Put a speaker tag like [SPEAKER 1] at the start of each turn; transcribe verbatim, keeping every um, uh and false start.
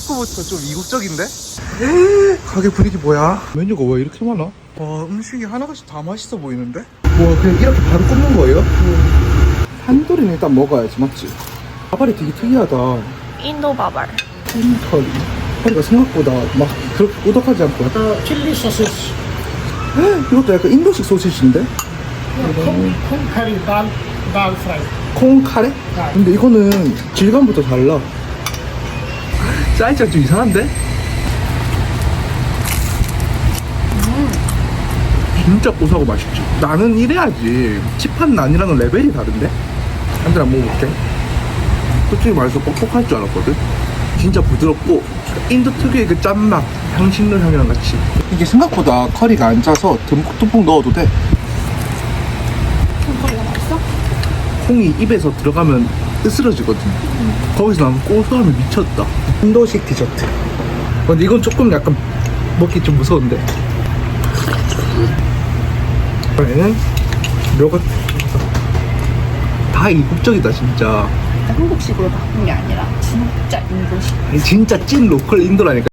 [SPEAKER 1] 입구부터 좀 이국적인데? 에이, 가게 분위기 뭐야? 메뉴가 왜 이렇게 많아? 와, 음식이 하나같이 다 맛있어 보이는데? 와, 그냥 이렇게 바로 굽는 거예요? 음. 한돌이는 일단 먹어야지, 맞지? 밥알이 되게 특이하다.
[SPEAKER 2] 인도 바발.
[SPEAKER 1] 흰털이. 허리가 생각보다 막 그렇게 꾸덕하지 않고 약간
[SPEAKER 3] Uh, chili sausage.
[SPEAKER 1] 이것도 약간 인도식 소시지인데?
[SPEAKER 3] Yeah, kung, kung curry dal, dal fry.
[SPEAKER 1] 콩 카레? 근데 이거는 질감부터 달라. 사이즈가 좀 이상한데? 음. 진짜 고소하고 맛있지. 나는 이래야지. 칩한 난이랑은 레벨이 다른데? 한 잔 먹어볼게. 솔직히 말해서 뻑뻑할 줄 알았거든? 진짜 부드럽고 인도 특유의 그 짠맛, 향신료 향이랑 같이. 이게 생각보다 커리가 안 짜서 듬뿍듬뿍 넣어도 돼.
[SPEAKER 2] 커리가 맛있어?
[SPEAKER 1] 콩이 입에서 들어가면 으스러지거든. 음. 거기서 나면 고소함이 미쳤다. 인도식 디저트. 근데 이건 조금 약간 먹기 좀 무서운데. 이번에는 요거트. 다 이국적이다 진짜.
[SPEAKER 2] 한국식으로 바꾼 게 아니라 진짜 인도식.
[SPEAKER 1] 진짜 찐 로컬 인도라니까.